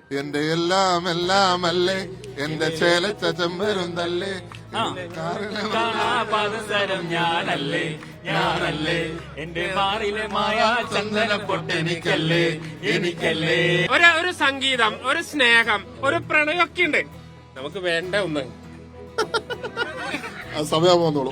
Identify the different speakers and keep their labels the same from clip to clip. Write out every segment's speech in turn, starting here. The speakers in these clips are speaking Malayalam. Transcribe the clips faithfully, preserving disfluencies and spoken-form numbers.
Speaker 1: എന്റെ എല്ലാം എല്ലാം അല്ലേ എന്റെ ചേലച്ച ചെമ്പരും തല്ലേ
Speaker 2: പാദസരം ഞാനല്ലേ ഞാനല്ലേ എന്റെ മാറിലെ മായ ചന്ദന പൊട്ടെനിക്കല്ലേ എനിക്കല്ലേ.
Speaker 3: ഒരു ഒരു സംഗീതം, ഒരു സ്നേഹം, ഒരു പ്രണയമൊക്കെ ഉണ്ട്. നമുക്ക് വേണ്ട ഒന്ന്
Speaker 1: സമയം വന്നോളൂ.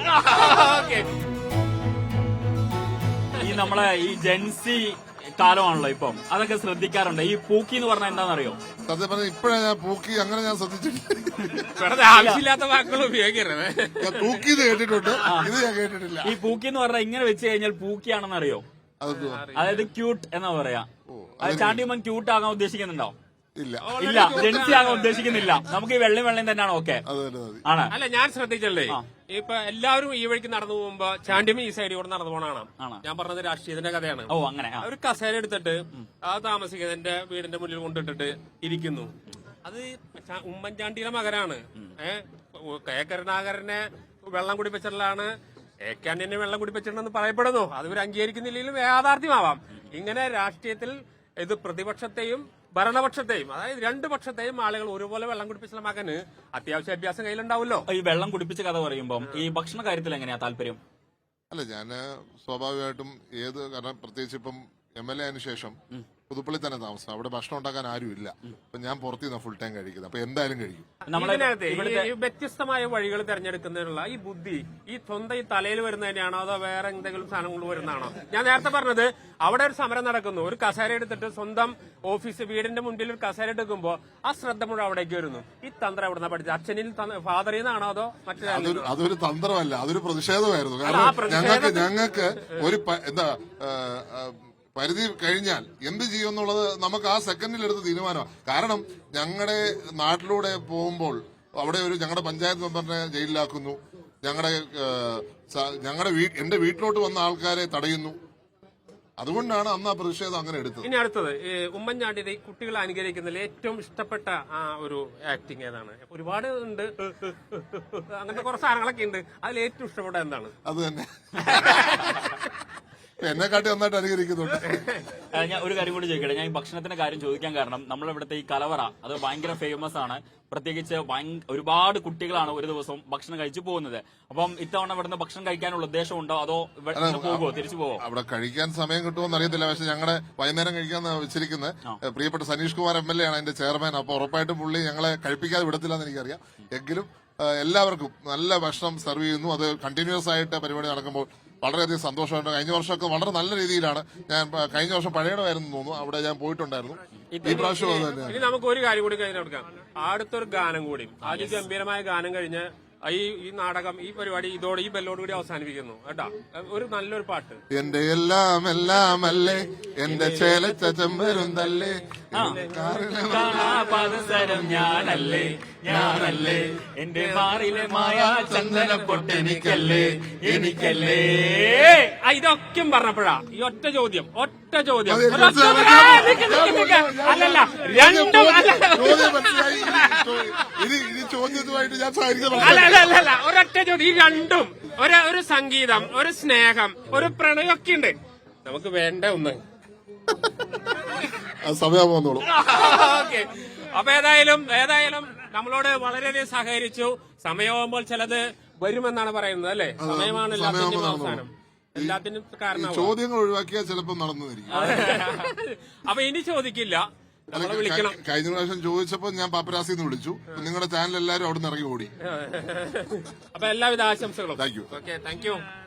Speaker 2: ഈ നമ്മളെ ഈ ജെൻസി കാലമാണല്ലോ ഇപ്പം, അതൊക്കെ ശ്രദ്ധിക്കാറുണ്ട്. ഈ പൂക്കി എന്ന് പറഞ്ഞാൽ എന്താണെന്നറിയോ?
Speaker 1: സത്യം പറഞ്ഞാൽ ഇപ്പഴാ ഞാൻ പൂക്കി അങ്ങനെ ഞാൻ ശ്രദ്ധിച്ചിട്ടില്ല.
Speaker 3: വെറുതെ ആവശ്യമില്ലാത്ത വാക്കുകൾ ഉപയോഗിക്കരുത്.
Speaker 1: ഞാൻ പൂക്കി എന്ന് കേട്ടിട്ടുണ്ട്, ഇത് ഞാൻ കേട്ടിട്ടില്ല.
Speaker 2: ഈ പൂക്കി എന്ന് പറഞ്ഞാൽ ഇങ്ങനെ വെച്ച് കഴിഞ്ഞാൽ പൂക്കിയാണെന്ന് അറിയോ? അതായത് ക്യൂട്ട് എന്നാ പറയാ. ചാണ്ടിയമ്മൻ ക്യൂട്ട് ആകാൻ ഉദ്ദേശിക്കുന്നുണ്ടോ?
Speaker 1: ഇല്ല
Speaker 2: ഇല്ല, ജെൻസി ആകാൻ ഉദ്ദേശിക്കുന്നില്ല. നമുക്ക് ഈ വെള്ളം വെള്ളം തന്നെയാണ് ഓക്കെ ആണ്.
Speaker 3: അല്ല, ഞാൻ ശ്രദ്ധിച്ചല്ലേ, ഇപ്പൊ എല്ലാവരും ഈ വഴിക്ക് നടന്നു പോകുമ്പോ ചാണ്ടിയമ്മ ഈ സൈഡിൽ കൂടെ നടന്നു പോണാണ്. ഞാൻ പറഞ്ഞത് രാഷ്ട്രീയത്തിന്റെ കഥയാണ്.
Speaker 2: ഓ അങ്ങനെ.
Speaker 3: ഒരു കസേര എടുത്തിട്ട് ആ താമസിക്കുന്നതിന്റെ വീടിന്റെ മുന്നിൽ കൊണ്ടിട്ടിട്ട് ഇരിക്കുന്നു. അത് ഉമ്മൻചാണ്ടിയുടെ മകനാണ്. ഏഹ് കെ കരുണാകരനെ വെള്ളം കുടിപ്പിച്ചിട്ടുള്ളതാണ്. എ കെ ആന്റണിയെ വെള്ളം കുടിപ്പിച്ചിട്ടുണ്ടെന്ന് പറയപ്പെടുന്നു. അത് ഇവർ അംഗീകരിക്കുന്നില്ലെങ്കിലും യാഥാർത്ഥ്യമാവാം. ഇങ്ങനെ രാഷ്ട്രീയത്തിൽ ഇത് പ്രതിപക്ഷത്തെയും ഭരണപക്ഷത്തെയും, അതായത് രണ്ടു പക്ഷത്തെയും ആളുകൾ ഒരുപോലെ വെള്ളം കുടിപ്പിച്ച മകന് അത്യാവശ്യ അഭ്യാസം കയ്യിലുണ്ടാവുമല്ലോ.
Speaker 2: ഈ വെള്ളം കുടിപ്പിച്ച കഥ പറയുമ്പോൾ ഈ ഭക്ഷണ കാര്യത്തിൽ എങ്ങനെയാ താല്പര്യം?
Speaker 1: അല്ല, ഞാന് സ്വാഭാവികമായിട്ടും ഏത്, കാരണം പ്രത്യേകിച്ച് ഇപ്പം എം എൽ എ ആയതിനു ശേഷം പുതുപ്പള്ളി തന്നെ താമസം, അവിടെ ഭക്ഷണം ഉണ്ടാക്കാൻ ആരും ഇല്ല. അപ്പൊ ഞാൻ പുറത്തുനിന്ന് ഫുൾ ടൈം കഴിക്കുന്നത്, അപ്പൊ എന്തായാലും കഴിക്കും.
Speaker 3: ഈ വ്യത്യസ്തമായ വഴികൾ തെരഞ്ഞെടുക്കുന്നതിനുള്ള ഈ ബുദ്ധി ഈ സ്വന്തം ഈ തലയിൽ വരുന്നതിനാണോ അതോ വേറെ എന്തെങ്കിലും സാധനം കൊണ്ട് വരുന്നതാണോ? ഞാൻ നേരത്തെ പറഞ്ഞത്, അവിടെ ഒരു സമരം നടക്കുന്നു. ഒരു കസേര എടുത്തിട്ട് സ്വന്തം ഓഫീസ് വീടിന്റെ മുൻപിൽ ഒരു കസേര എടുക്കുമ്പോ ആ ശ്രദ്ധ മുഴുവൻ അവിടേക്ക് വരുന്നു. ഈ തന്ത്രം എവിടെ നിന്നാ പഠിച്ചത്? അച്ഛനിൽ ഫാദറിൽ നിന്നാണോ അതോ മറ്റേ?
Speaker 1: അതൊരു തന്ത്രമല്ല, അതൊരു പ്രതിഷേധമായിരുന്നു. കാരണം ഞങ്ങൾക്ക് ഞങ്ങൾക്ക് ഒരു എന്താ പരിധി കഴിഞ്ഞാൽ എന്ത് ചെയ്യുമെന്നുള്ളത് നമുക്ക് ആ സെക്കൻഡിൽ എടുത്ത് തീരുമാനമാണ്. കാരണം ഞങ്ങളുടെ നാട്ടിലൂടെ പോകുമ്പോൾ അവിടെ ഒരു ഞങ്ങളുടെ പഞ്ചായത്ത് മെമ്പറിനെ ജയിലിലാക്കുന്നു, ഞങ്ങളുടെ ഞങ്ങളുടെ എന്റെ വീട്ടിലോട്ട് വന്ന ആൾക്കാരെ തടയുന്നു. അതുകൊണ്ടാണ് അന്ന് ആ പ്രതിഷേധം അങ്ങനെ എടുത്തത്.
Speaker 3: ഇനി അടുത്തത്, ഉമ്മൻചാണ്ടിയുടെ ഈ കുട്ടികളെ അനുകരിക്കുന്നതിൽ ഏറ്റവും ഇഷ്ടപ്പെട്ട ആ ഒരു ആക്ടിങ് ഏതാണ്? ഒരുപാട് ഉണ്ട്, അങ്ങനത്തെ കുറച്ച് സാധനങ്ങളൊക്കെ ഉണ്ട്. അതിൽ ഏറ്റവും ഇഷ്ടപ്പെട്ട എന്താണ്?
Speaker 1: അത് തന്നെ എന്നെക്കാട്ടി നന്നായിട്ട് അനുകരിക്കുന്നുണ്ട്.
Speaker 2: ഞാൻ ഒരു കാര്യം കൂടി ചോദിക്കട്ടെ. ഞാൻ ഈ ഭക്ഷണത്തിന്റെ കാര്യം ചോദിക്കാൻ കാരണം, നമ്മളിവിടുത്തെ ഈ കലവറ അത് ഭയങ്കര ഫേമസ് ആണ്. പ്രത്യേകിച്ച് ഒരുപാട് കുട്ടികളാണ് ഒരു ദിവസം ഭക്ഷണം കഴിച്ചു പോകുന്നത്. അപ്പം ഇത്തവണ ഇവിടുന്ന് ഭക്ഷണം കഴിക്കാനുള്ള ഉദ്ദേശമുണ്ടോ അതോ പോകുമോ, തിരിച്ചു പോവോ?
Speaker 1: അവിടെ കഴിക്കാൻ സമയം കിട്ടുമോന്ന് അറിയത്തില്ല. പക്ഷെ ഞങ്ങളെ വൈകുന്നേരം കഴിക്കാൻ വെച്ചിരിക്കുന്നത് പ്രിയപ്പെട്ട Saneesh Kumar M L A ആണ് അതിന്റെ ചെയർമാൻ. അപ്പൊ ഉറപ്പായിട്ടും പുള്ളി ഞങ്ങളെ കഴിപ്പിക്കാതെ വിടത്തില്ല എന്ന് എനിക്കറിയാം. എങ്കിലും എല്ലാവർക്കും നല്ല ഭക്ഷണം സെർവ് ചെയ്യുന്നു. അത് കണ്ടിന്യൂസ് ആയിട്ട് പരിപാടി നടക്കുമ്പോൾ വളരെയധികം സന്തോഷമുണ്ട്. കഴിഞ്ഞ വർഷമൊക്കെ വളരെ നല്ല രീതിയിലാണ്. ഞാൻ കഴിഞ്ഞ വർഷം പഴയടമായിരുന്നു തോന്നുന്നു, അവിടെ ഞാൻ പോയിട്ടുണ്ടായിരുന്നു. ഈ പ്രാവശ്യം അത് തന്നെ.
Speaker 3: ഇനി നമുക്ക് ഒരു കാര്യം കൂടി കഴിഞ്ഞ് കൊടുക്കാം. അടുത്തൊരു ഗാനം കൂടി, അതിഗംഭീരമായ ഗാനം കഴിഞ്ഞ് ഈ ഈ നാടകം, ഈ പരിപാടി ഇതോടെ ഈ ബെല്ലോട് കൂടി അവസാനിപ്പിക്കുന്നു കേട്ടാ. ഒരു നല്ലൊരു പാട്ട്.
Speaker 1: എന്റെ എല്ലാം എല്ലാം അല്ലേ എന്റെ ചേലച്ച ചെമ്പരും തല്ലേ
Speaker 2: പാദസരം ഞാനല്ലേ ഞാനല്ലേ എന്റെ മാറിലെ മായ ചന്ദന പൊട്ടെനിക്കല്ലേ എനിക്കല്ലേ.
Speaker 3: ഇതൊക്കെ പറഞ്ഞപ്പോഴാ ഈ ഒറ്റ ചോദ്യം ഒറ്റ ചോദ്യം അല്ലല്ല രണ്ടും അല്ല ഒരൊറ്റ ചോദ്യം. ഈ രണ്ടും ഒരു ഒരു സംഗീതം, ഒരു സ്നേഹം, ഒരു പ്രണയമൊക്കെ ഉണ്ട്. നമുക്ക് വേണ്ട ഒന്ന്
Speaker 1: സമയം വന്നോളൂ.
Speaker 3: ഓക്കെ. അപ്പൊ ഏതായാലും ഏതായാലും നമ്മളോട് വളരെയധികം സഹകരിച്ചു. സമയമാകുമ്പോൾ ചിലത് വരുമെന്നാണ് പറയുന്നത് അല്ലെ? സമയമാണ് എല്ലാത്തിന്റെയും അവസാനം, എല്ലാത്തിനും കാരണം.
Speaker 1: ചോദ്യങ്ങൾ ഒഴിവാക്കിയാൽ ചിലപ്പോൾ നടന്നിരിക്കും.
Speaker 3: അപ്പൊ ഇനി ചോദിക്കില്ല, നമ്മളെ വിളിക്കണം.
Speaker 1: കഴിഞ്ഞ പ്രാവശ്യം ചോദിച്ചപ്പോ ഞാൻ പാപ്പരാസിന്ന് വിളിച്ചു. നിങ്ങളുടെ ചാനൽ എല്ലാവരും അവിടെ നിന്ന് ഇറങ്ങി ഓടി.
Speaker 3: അപ്പൊ എല്ലാവിധ ആശംസകളും.
Speaker 1: Thank you.
Speaker 3: Okay, thank U.